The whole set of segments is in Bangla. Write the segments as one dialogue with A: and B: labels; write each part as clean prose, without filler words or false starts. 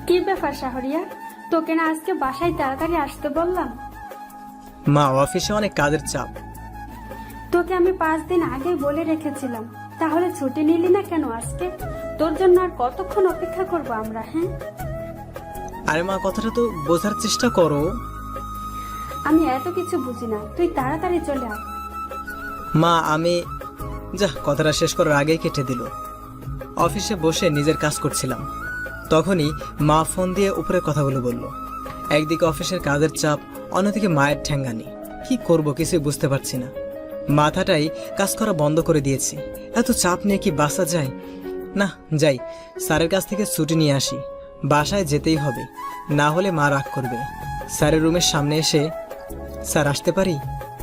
A: কি ব্যাপার শাহরিয়া, তোকে না আজকে বাসায় তাড়াতাড়ি আসতে বললাম?
B: মা, অফিসে অনেক কাজের চাপ।
A: তোকে আমি 5 দিন আগেই বলে রেখেছিলাম, তাহলে ছুটি নিলি না কেন আজকে? তোর জন্য আর কতক্ষণ অপেক্ষা করব আমরা? হ্যাঁ,
B: আরে মা, কথাটা তো বোঝার চেষ্টা করো।
A: আমি এত কিছু বুঝি না, তুই তাড়াতাড়ি চলে আয়।
B: মা, আমি কথাটা শেষ করার আগেই কেটে দিল। অফিসে বসে নিজের কাজ করছিলাম, তখনই মা ফোন দিয়ে উপরের কথাগুলো বলল। একদিকে অফিসের কাজের চাপ, অন্যদিকে মায়ের ঠ্যাঙ্গানি। কি করব কিছুই বুঝতে পারছি না। মাথাটাই কাজ করা বন্ধ করে দিয়েছে। এত চাপ নিয়ে কি বাসা যায়? না, যাই, স্যারের কাছ থেকে ছুটি নিয়ে আসি। বাসায় যেতেই হবে, না হলে মা রাগ করবে। স্যারের রুমের সামনে এসে, স্যার আসতে পারি?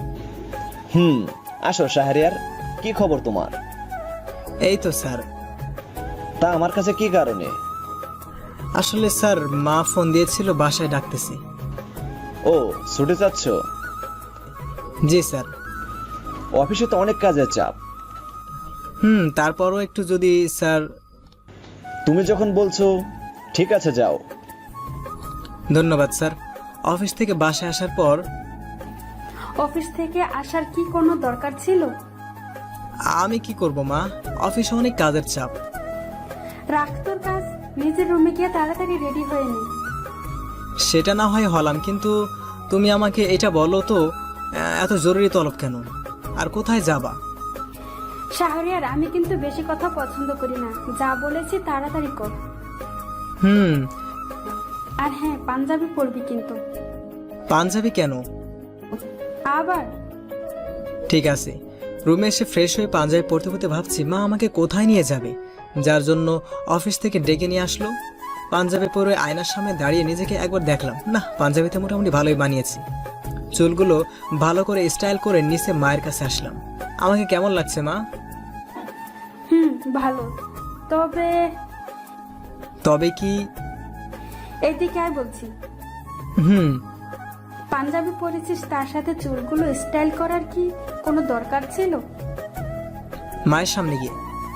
C: আসো শাহরিয়ার, কি খবর তোমার?
B: এই তো স্যার।
C: তা আমার কাছে কি কারণে?
B: আসলে স্যার, মা ফোন দিয়েছিল, বাসায় ডাকতেছে।
C: ও, ছুটে যাচ্ছ?
B: জি স্যার।
C: অফিসে তো অনেক কাজের চাপ।
B: তারপরও একটু যদি স্যার।
C: তুমি যখন বলছো, ঠিক আছে যাও।
B: ধন্যবাদ স্যার। অফিস থেকে বাসায় আসার পর
A: অফিস থেকে আসার কি কোনো দরকার ছিল?
B: আমি কি করব মা, অফিসে অনেক কাজের চাপ।
A: রাখ তোর কাজ, নিজের রুমে গিয়ে তাড়াতাড়ি রেডি হয়ে নে।
B: সেটা না হয় হলাম, কিন্তু তুমি আমাকে এটা বলো তো, এত জরুরি তলব কেন? আর কোথায় যাবা?
A: শাহরিয়ার, আমি কিন্তু বেশি কথা পছন্দ করি না, যা বলেছি তাড়াতাড়ি কর।
B: হুম।
A: আর হ্যাঁ, পাঞ্জাবি পরবি কিন্তু।
B: পাঞ্জাবি কেন?
A: আবার
B: ঠিক আছে। রুমে এসে ফ্রেশ হয়ে পাঞ্জাবি পরতে পরতে ভাবছি মা আমাকে কোথায় নিয়ে যাবে, যার জন্য অফিস থেকে ডেকে নিয়ে আসলো। পাঞ্জাবি পরে আয়নার সামনে দাঁড়িয়ে নিজেকে একবার দেখলাম, না, পাঞ্জাবিতে মোটামুটি ভালোই বানিয়েছি। চুলগুলো ভালো করে স্টাইল করে নিচে মায়ের কাছে আসলাম। আমাকে কেমন লাগছে মা?
A: ভালো। তবে
B: তবে কি?
A: এইদিকে আয় বলছি।
B: হুম।
A: পাঞ্জাবি পরেছিস, তার সাথে চুলগুলো স্টাইল করার কি কোনো দরকার ছিল?
B: মায়ের সামনে গিয়ে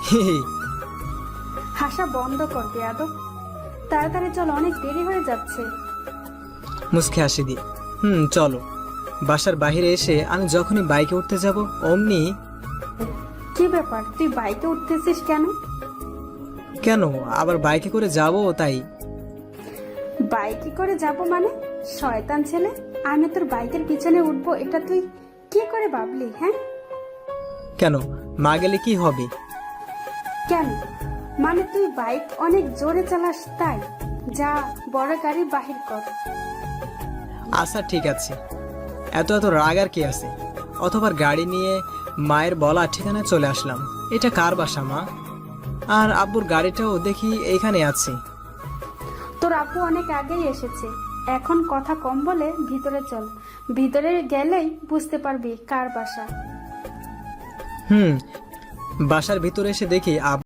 A: হাসা বন্ধ কর বেয়াদব। তাড়াতাড়ি চল, অনেক দেরি হয়ে যাচ্ছে।
B: মুচকে হাসি দিয়ে চলো। বাসার বাইরে এসে আমি যখনই বাইকে উঠতে যাব অমনি।
A: কি ব্যাপার, তুই বাইকে উঠতেছিস কেন?
B: কেন, আবার বাইকে করে যাব তাই।
A: বাইকে করে যাব মানে? শয়তান ছেলে, আমি তোর বাইকের পিছনে উঠবো এটা তুই কি করে ভাবলি? হ্যাঁ,
B: কেন, মা গেলে কি হবে?
A: কেন মানে তুই বাইক অনেক জোরে চালাস তাই? যা, বড় গাড়ি বাহির কর।
B: আচ্ছা ঠিক আছে, এত এত রাগ আর কি আছে? অথবা গাড়ি নিয়ে মায়ের বলা ঠিকানায় চলে আসলাম। এটা কার বাসা মা? আর আব্বুর গাড়িটাও দেখি এইখানে আছে।
A: তোর আপু অনেক আগেই এসেছে, এখন কথা কম বলে ভিতরে চল। ভিতরে গেলেই বুঝতে পারবি কার বাসা।
B: বাসার ভিতরে এসে দেখি